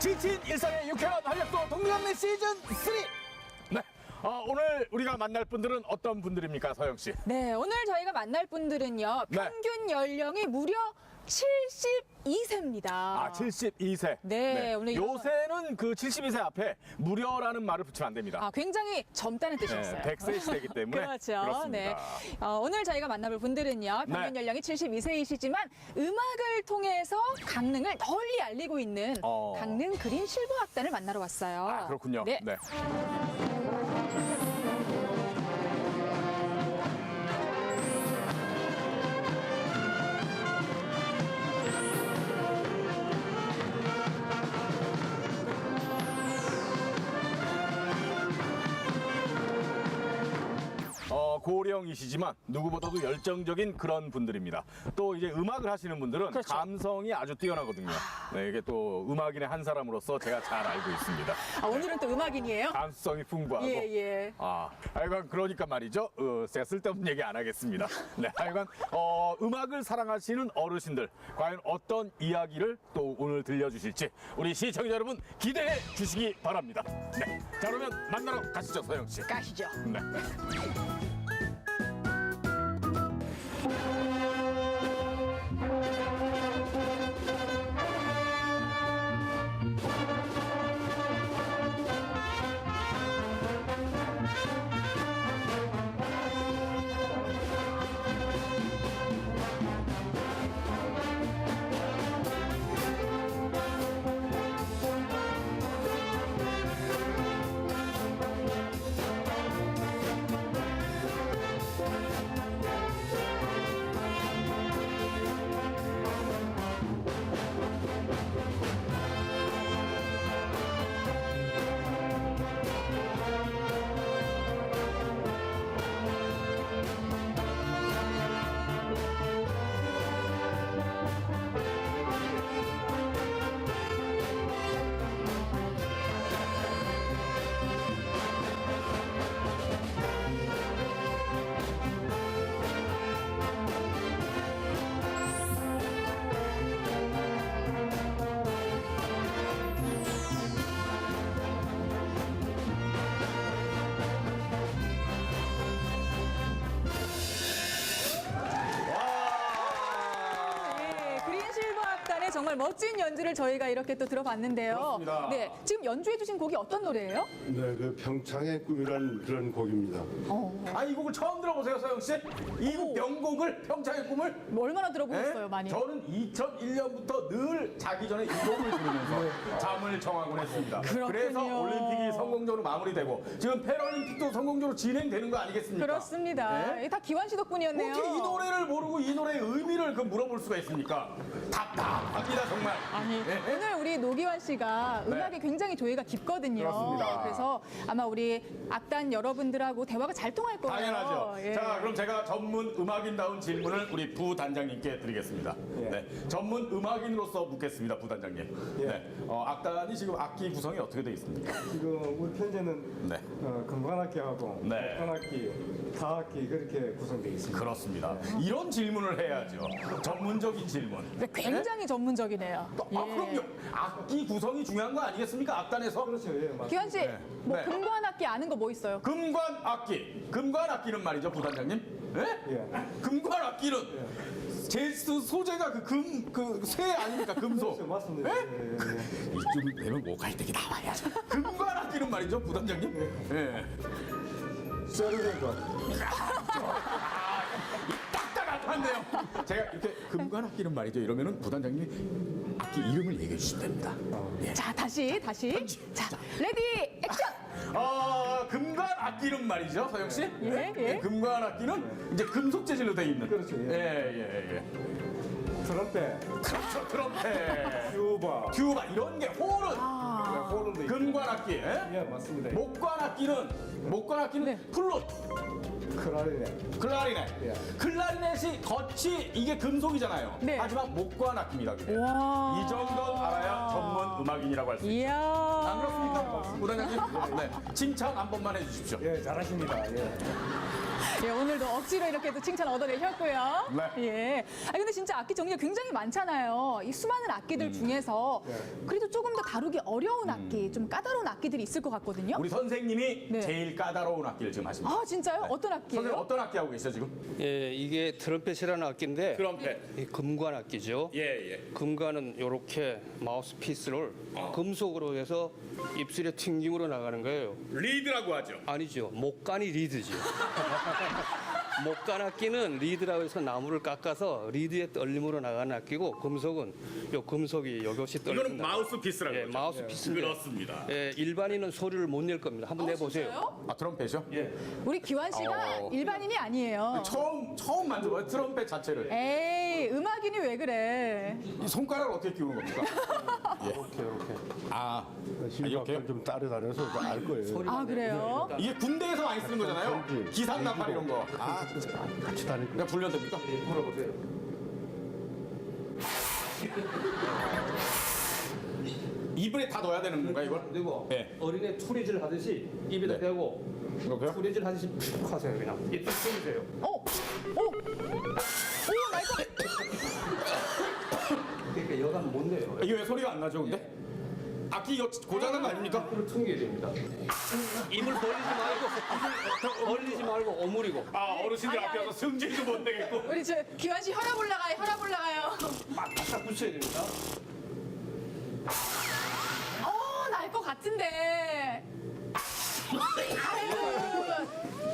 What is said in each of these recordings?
지친 일상의 유쾌한 활력도 동료감내 시즌 3. 네. 오늘 우리가 만날 분들은 어떤 분들입니까, 서영 씨? 네, 오늘 저희가 만날 분들은요. 네. 평균 연령이 무려 72세입니다. 72세. 네, 오늘 요새는 그 72세 앞에 무료라는 말을 붙이면 안 됩니다. 굉장히 젊다는 뜻이었어요. 100세 시대이기 때문에. 그렇죠. 그렇습니다. 네. 오늘 저희가 만나볼 분들은요. 평균 네. 연령이 72세이시지만 음악을 통해서 강릉을 널리 알리고 있는 강릉 그린 실버 악단을 만나러 왔어요. 그렇군요. 네. 네. 고령이시지만 누구보다도 열정적인 그런 분들입니다. 또 이제 음악을 하시는 분들은 그렇죠. 감성이 아주 뛰어나거든요. 네, 이게 또 음악인의 한 사람으로서 제가 잘 알고 있습니다. 오늘은 또 음악인이에요? 감성이 풍부하고. 예. 하여간 그러니까 말이죠. 제가 쓸데없는 얘기 안 하겠습니다. 네, 하여간 음악을 사랑하시는 어르신들 과연 어떤 이야기를 또 오늘 들려주실지 우리 시청자 여러분 기대해 주시기 바랍니다. 네, 자 그러면 만나러 가시죠, 서영 씨. 가시죠. 네. 정말 멋진 연주를 저희가 이렇게 또 들어봤는데요. 그렇습니다. 네, 지금 연주해주신 곡이 어떤 노래예요? 네, 그 평창의 꿈이라는 그런 곡입니다. 이 곡을 처음 들어보세요, 서영 씨. 이 명곡을 평창의 꿈을. 얼마나 들어보셨어요, 네? 많이? 저는 2001년부터 늘 자기 전에 이 곡을 들으면서 잠을 청하곤 했습니다. 그렇군요. 그래서 올림픽이 성공적으로 마무리되고 지금 패럴림픽도 성공적으로 진행되는 거 아니겠습니까? 그렇습니다. 네? 다 기환 씨 덕분이었네요. 어떻게 이 노래를 모르고 이 노래의 의미를 물어볼 수가 있습니까? 답답합니다, 정말. 네? 오늘 우리 노기환 씨가 음악에 굉장히 조예가 깊거든요. 그렇습니다. 그래서 아마 우리 악단 여러분들하고 대화가 잘 통할 거예요. 당연하죠. 예. 자, 그럼 제가 전문 음악인다운 질문을 우리 부단장님께 드리겠습니다. 네, 전문 음악인으로서 묻겠습니다, 부단장님. 네, 악단이 지금 악기 구성이 어떻게 되어 있습니까? 지금 우리 편제는 네. 금관악기하고 네. 목관악기, 타악기 그렇게 구성되어 있습니다. 그렇습니다. 이런 질문을 해야죠. 전문적인 질문. 네, 굉장히 전문적이네요. 예. 그럼요. 악기 구성이 중요한 거 아니겠습니까? 악단에서. 그렇죠, 예, 맞습니다. 기환 씨, 뭐 네. 금관 악기 아는 거 뭐 있어요? 금관 악기. 금관 악기는 말이죠, 부단장님. 네? 예. 금관 악기는 제스 소재가 쇠 아닙니까? 금속. 그렇죠, 맞습니다. 네? 예, 예. 이쯤 되면 모갈등이 나와야죠. 금관 악기는 말이죠, 부단장님. 예. 세르덴거. 딱딱한데요. 제가 이렇게 금관 악기는 말이죠. 이러면은 부단장님이 악기 이름을 얘기해 주시면 됩니다. 예. 자, 다시. 자, 레디, 액션! 금관 악기는 말이죠, 서영 씨. 예. 금관 악기는 이제 금속 재질로 돼 있는. 그렇죠, 예. 트럼펫, 그렇죠, 트럼펫, 튜바. 이런 게 홀은 홀은 돼 있고. 금관 악기. 예? 예, 맞습니다. 목관 악기는 네. 플룻, 클라리넷. 클라리넷. 예. 클라리넷이 겉이 이게 금속이잖아요. 네. 하지만 목관 악기입니다. 그게. 와. 이 정도는 알아야 전문 음악인이라고 할 수 있어요. 이야. 안 그렇습니까? 부단장님? 네, 칭찬 한 번만 해주십시오. 예, 잘하십니다. 예. 예, 오늘도 억지로 이렇게 또 칭찬 얻어내셨고요. 네. 예. 아 근데 진짜 악기 종류가 굉장히 많잖아요. 이 수많은 악기들 중에서 그래도 조금 더 다루기 어려운 악기, 좀 까다로운 악기들이 있을 것 같거든요. 우리 선생님이 네. 제일 까다로운 악기를 지금 하십니다. 아 진짜요? 어떤 선생님 악기예요? 어떤 악기 하고 계시죠 지금? 예, 이게 트럼펫이라는 악기인데 트럼펫. 이 금관 악기죠. 예, 예. 금관은 이렇게 마우스 피스를 금속으로 해서 입술에 튕김으로 나가는 거예요. 리드라고 하죠. 아니죠. 목관이 리드죠. 목관 악기는 리드라고 해서 나무를 깎아서 리드에 떨림으로 나가는 악기고 금속은 요 금속이 요것이 떨린다. 이거는 마우스피스라고 예, 하죠. 마우스피스인데 그렇습니다. 예, 일반인은 소리를 못 낼 겁니다. 한번 내보세요. 진짜요? 아 트럼펫이요? 예. 우리 기환 씨가 어. 일반인이 아니에요. 처음 만져봐요 트럼펫 자체를. 에이, 음악인이 왜 그래? 이 손가락을 어떻게 끼우는 겁니까? 이렇게 이렇게. 아 실력을 좀 따라다녀서 알 거예요. 아 그래요? 이게 군대에서 많이 쓰는 거잖아요. 그렇지. 기상 나팔 이런 거. 아 같이 다닐 그냥 불려도 됩니까? 물어보세요. 입에 다 넣어야 되는 건가 이걸? 그리고 네. 어린애 투리질 하듯이 입에다 네. 대고 이렇게요? 투리질 하듯이 푹 하세요 그냥. 입 쏘세요. 오, 나 이거 그러니까 여간 못 내요. 이게 왜 소리가 안 나죠 근데? 악기 이거 고장난 거 아닙니까? 앞으로 튕겨야 됩니다. 입을 벌리지 말고 오므리고. 아 어르신들 아니, 앞에 와서 승질도 못 내겠고. 우리 저 기환 씨 혈압 올라가요, 혈압 올라가요. 바짝 붙여야 됩니다. 날 것 같은데. 아유.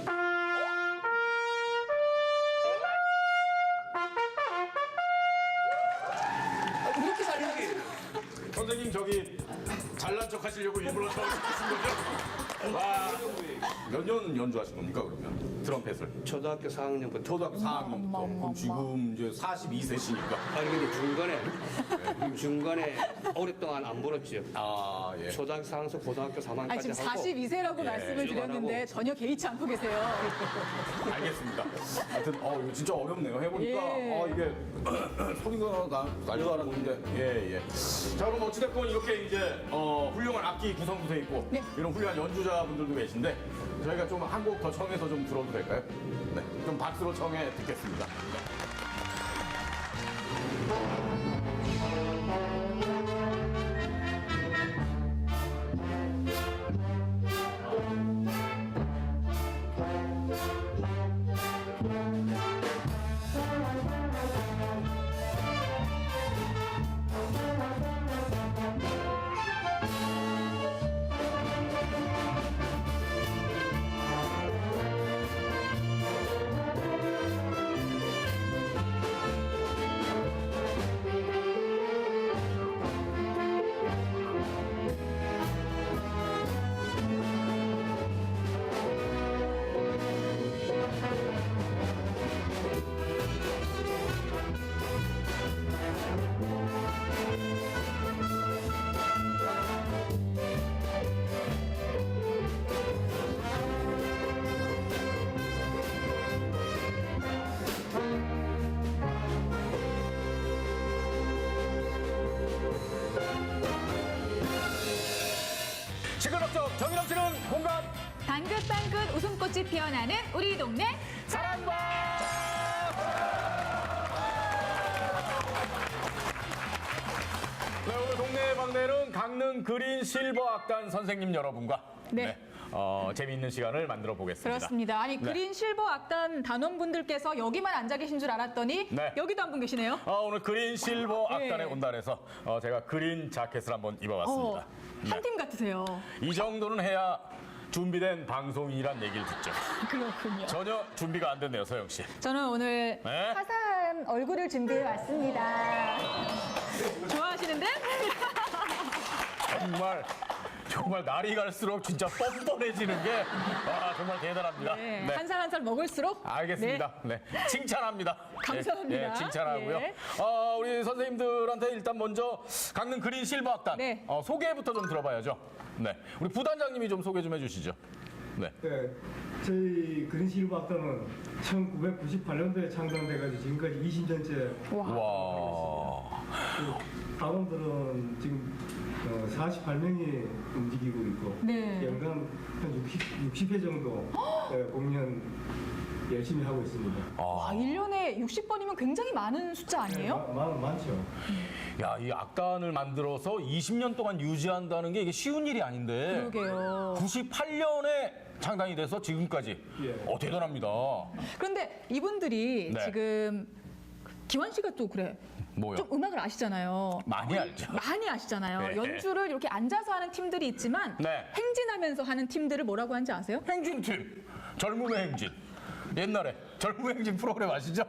이렇게 잘 나가지? 선생님 저기 잘난 척 하시려고 일부러 저기 하신 거죠? 와, 몇 년 연주하신 겁니까 그러면? 트럼펫을? 초등학교 4학년부터. 초등학교 4학년부터. 그럼 지금 이제 42세시니까. 아니 근데 중간에 오랫동안 안 불었죠. 아 예. 초등학교 4학년에서 고등학교 3학년까지 아니, 지금 하고. 42세라고 말씀을 쭉 안 드렸는데 하고. 전혀 개의치 않고 계세요. 알겠습니다. 하여튼 이거 진짜 어렵네요. 해보니까 예. 이게 소리가 날줄 알았는데 예. 자 그럼 어찌됐건 이렇게 이제 훌륭한 악기 구성도 돼 있고 네. 이런 훌륭한 연주자분들도 계신데 저희가 좀 한 곡 더 청해서 좀 들어도 될까요? 네. 좀 박수로 청해 듣겠습니다. 네. 시끌벅적 정이 넘치는 공감 방긋방긋 웃음꽃이 피어나는 우리 동네 사랑방. 네, 오늘 동네 방네는 강릉 그린 실버 악단 선생님 여러분과 네. 재미있는 시간을 만들어 보겠습니다. 그렇습니다. 아니 네. 그린 실버 악단 단원분들께서 여기만 앉아 계신 줄 알았더니 네. 여기도 한 분 계시네요. 오늘 그린 실버 네. 악단에 온다 해서 제가 그린 자켓을 한번 입어봤습니다. 한 팀 같으세요. 이 정도는 해야 준비된 방송이란 얘기를 듣죠. 그렇군요. 전혀 준비가 안 됐네요, 서영 씨. 저는 오늘 네? 화사한 얼굴을 준비해 왔습니다. 좋아하시는데? 정말 날이 갈수록 진짜 뻔뻔해지는 게 정말 대단합니다. 네. 한 살 한 살 먹을수록 알겠습니다. 네. 칭찬합니다. 감사합니다. 예, 칭찬하고요. 예. 우리 선생님들한테 일단 먼저 강릉 그린 실버 악단 네. 소개부터 좀 들어봐야죠. 네. 우리 부단장님이 좀 소개 좀 해주시죠. 네. 네, 저희 그린실버 악단은 1998년도에 창단돼가지고 지금까지 20년째 와. 단원들은 지금 48명이 움직이고 있고 네. 연간 한 60회 정도 공연 열심히 하고 있습니다. 와, 1년에 60번이면 굉장히 많은 숫자 아니에요? 많죠. 야, 이 악단을 만들어서 20년 동안 유지한다는 게 이게 쉬운 일이 아닌데. 그러게요. 98년에 창단이 돼서 지금까지. 예. 대단합니다. 그런데 이분들이 네. 지금 기환 씨가 또 그래. 뭐요? 좀 음악을 아시잖아요. 많이 알죠. 많이 아시잖아요. 네. 연주를 이렇게 앉아서 하는 팀들이 있지만 네. 행진하면서 하는 팀들을 뭐라고 하는지 아세요? 행진팀, 젊음의 행진. 옛날에 젊음의 행진 프로그램 아시죠?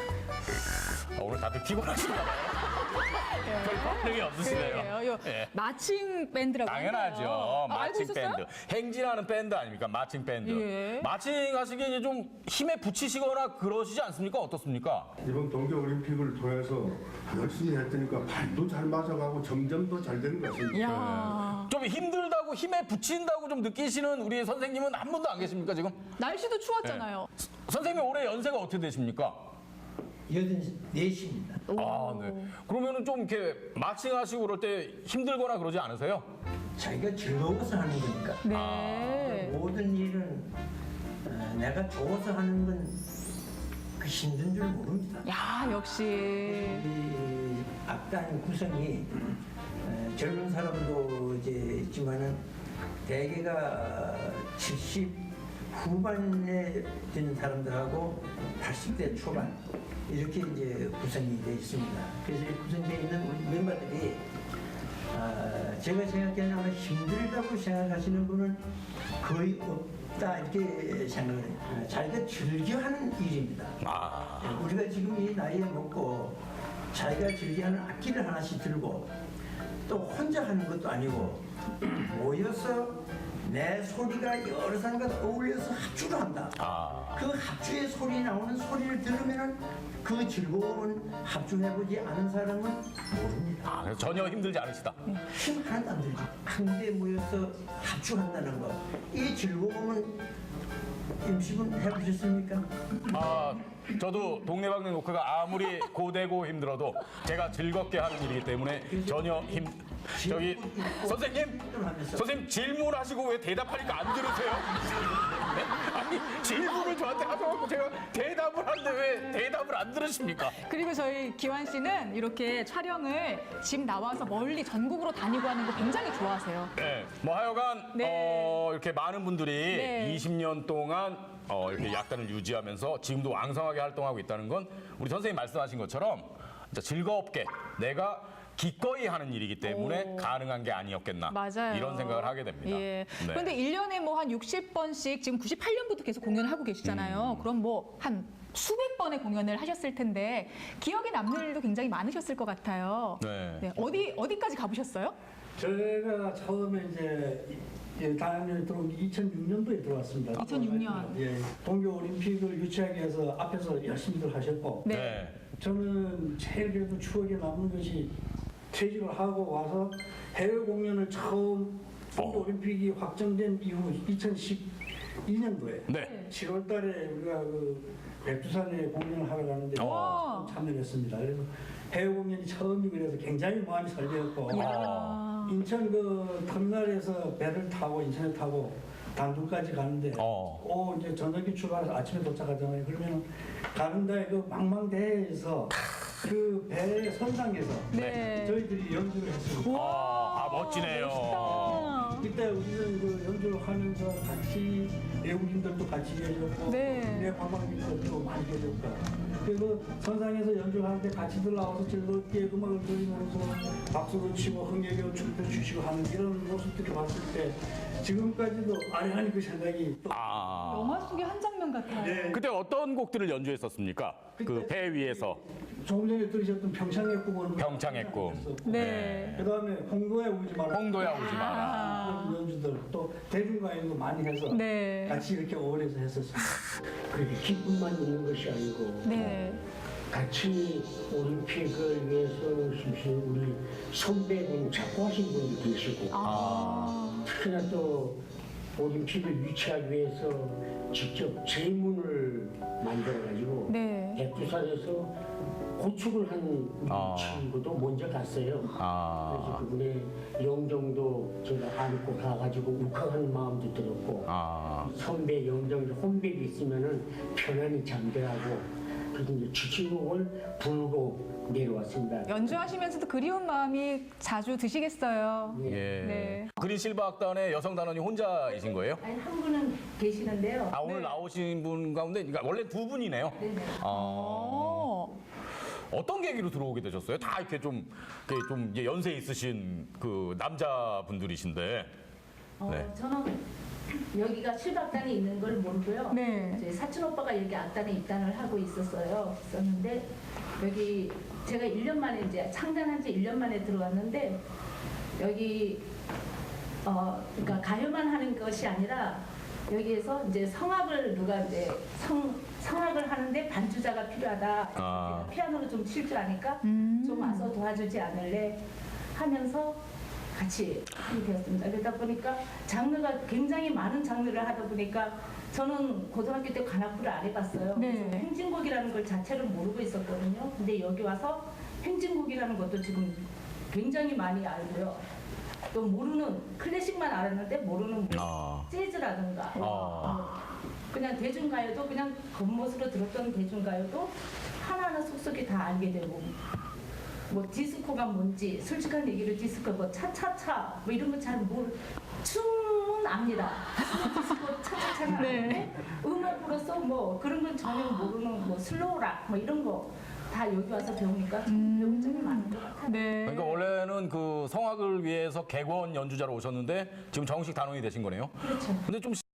오늘 다들 피곤하신가 봐요. 별 반응이 없으시네요. 그래요. 예. 마칭 밴드라고 당연하죠. 하나요? 알고 마칭 있었어요? 밴드. 행진하는 밴드 아닙니까? 마칭 밴드. 예. 마칭 하시기에 이제 좀 힘에 붙이시거나 그러시지 않습니까? 어떻습니까? 이번 동계올림픽을 통해서 열심히 했으니까 발도 잘 맞아가고 점점 더 잘 되는 것 같습니다. 야 좀 힘들다고 힘에 붙인다고 좀 느끼시는 우리 선생님은 한 분도 안 계십니까 지금? 날씨도 추웠잖아요. 선생님 올해 연세가 어떻게 되십니까? 84시입니다. 아, 네. 그러면은 좀 이렇게 마칭하시고 그럴 때 힘들거나 그러지 않으세요? 자기가 즐거워서 하는 거니까. 네. 모든 일은 내가 좋아서 하는 건 그 힘든 줄 모릅니다. 야 역시 이 악단 구성이 젊은 사람도 이제 있지만은 대개가 70 후반에 되는 사람들하고 80대 초반 이렇게 이제 구성이 되어 있습니다. 그래서 이 구성되어 있는 우리 멤버들이 제가 생각하기에는 아마 힘들다고 생각하시는 분은 거의 없다 이렇게 생각을 해요. 자기가 즐겨하는 일입니다. 우리가 지금 이 나이에 먹고 자기가 즐겨하는 악기를 하나씩 들고 또 혼자 하는 것도 아니고 모여서 내 소리가 여러 사람과 어울려서 합주를 한다. 그 합주의 소리 나오는 소리를 들으면 그 즐거움은 합주해보지 않은 사람은 모릅니다. 그래서 전혀 힘들지 않으시다. 힘 하나도 안 들죠. 한데 모여서 합주한다는 거. 이 즐거움은 임시분 해보셨습니까? 저도 동네방네 노크가 아무리 고되고 힘들어도 제가 즐겁게 하는 일이기 때문에 전혀 저기 선생님 질문하시고 왜 대답하니까 안 들으세요? 네? 아니 질문을 저한테 하셔가지고 제가 대답을 하는데 왜 대답을 안 들으십니까? 그리고 저희 기환 씨는 이렇게 촬영을 집 나와서 멀리 전국으로 다니고 하는 거 굉장히 좋아하세요. 네, 뭐 하여간 네. 이렇게 많은 분들이 네. 20년 동안 이렇게 약단을 유지하면서 지금도 왕성하게 활동하고 있다는 건 우리 선생님 말씀하신 것처럼 진짜 즐겁게 내가 기꺼이 하는 일이기 때문에 가능한 게 아니었겠나 맞아요. 이런 생각을 하게 됩니다. 예. 네. 그런데 1년에 뭐 한 60번씩 지금 98년부터 계속 공연을 하고 계시잖아요. 그럼 뭐 한 수백 번의 공연을 하셨을 텐데 기억에 남는 일도 굉장히 많으셨을 것 같아요. 네. 어디까지 가보셨어요? 제가 처음에 이제 다음에 들어온 게 2006년도에 들어왔습니다. 2006년. 예, 동계올림픽을 유치하기 위해서 앞에서 열심히들 하셨고 네. 저는 제일 그래도 추억에 남는 것이 퇴직을 하고 와서 해외 공연을 처음 동계올림픽이 확정된 이후 2012년도에 네. 7월 달에 우리가 그 백두산에 공연을 하러 가는데 와. 참여했습니다. 그래서 해외 공연이 처음이고 그래서 굉장히 마음이 설레었고 이야. 인천 그 터미널에서 배를 타고 인천에 타고 단둥까지 가는데 이제 저녁에 출발해서 아침에 도착하잖아요. 그러면 가는 데에 그 망망대해에서 그 배의 선상에서 네. 저희들이 연주를 했습니다. 멋지네요. 멋있다. 그때 우리는 그 연주를 하면서 같이 외국인들도 같이 계셨고 네. 내 관광객들도 많이 계셨고 그리고 선상에서 연주를 하는데 같이들 나와서 즐겁게 음악을 들으면서 박수를 치고 흥겨겨 춤도 추시고 하는 이런 모습들을 봤을 때 지금까지도 아련하니 그 생각이 또 영화 속의 한 장면 같아요. 그때 어떤 곡들을 연주했었습니까? 그 배 위에서 조금 전에 들으셨던 평창의 꿈을 평창의 꿈. 네. 그다음에 홍도에 오지 마라 홍도야 오지 마라. 그런 연주들 또 대중가요도 많이 해서 네. 같이 이렇게 어울려서 했었습니다. 그렇게 기쁨만 있는 것이 아니고 네. 같이 올림픽을 위해서 심신 우리 선배분 작고하신 분도 계시고 특히나 또 올림픽을 유치하기 위해서 직접 제문을 만들어가지고 네. 백두산에서 고축을 한 친구도 먼저 갔어요. 그래서 그분의 영정도 제가 안고 가가지고 욱하는 마음도 들었고 선배 영정 혼밥이 있으면은 편안히 잠들하고 그래서 이제 추취곡을 불고 내려왔습니다. 연주하시면서도 그리운 마음이 자주 드시겠어요. 예. 네. 그린 실버 악단의 여성 단원이 혼자이신 거예요? 아니, 한 분은 계시는데요. 아, 오늘 나오신 분 가운데 그러니까 원래 두 분이네요. 네네. 어떤 계기로 들어오게 되셨어요? 다 이렇게 좀 이제 연세 있으신 그 남자분들이신데. 네. 저는 여기가 실박단이 있는 걸 모르고요. 네. 저희 사촌 오빠가 여기 악단에 입단을 하고 있었는데 여기 제가 1년 만에 이제 창단한 지 1년 만에 들어왔는데 여기 그러니까 가요만 하는 것이 아니라 여기에서 이제 성악을 누가 이제 성악을 하는데 반주자가 필요하다. 제가 피아노를 좀 칠 줄 아니까 좀 와서 도와주지 않을래 하면서 같이 하게 되었습니다. 그러다 보니까 장르가 굉장히 많은 장르를 하다 보니까 저는 고등학교 때 관악구를 안 해봤어요. 네. 그래서 행진곡이라는 걸 자체를 모르고 있었거든요. 근데 여기 와서 행진곡이라는 것도 지금 굉장히 많이 알고요. 또 모르는 클래식만 알았는데 모르는 재즈라든가 그냥 대중가요도 그냥 겉멋으로 들었던 대중가요도 하나하나 속속이 다 알게 되고 뭐 디스코가 뭔지 솔직한 얘기로 디스코 뭐 차차차 뭐 이런 거 잘 춤은 압니다. 디스코 차차차는 아는데 음악으로서 뭐 그런 건 전혀 모르는 뭐 슬로우락 뭐 이런 거 다 여기 와서 배우니까 좀 배운 점이 많은 것 같아요. 네. 그러니까 원래는 그 성악을 위해서 객원 연주자로 오셨는데 지금 정식 단원이 되신 거네요. 그렇죠. 근데 좀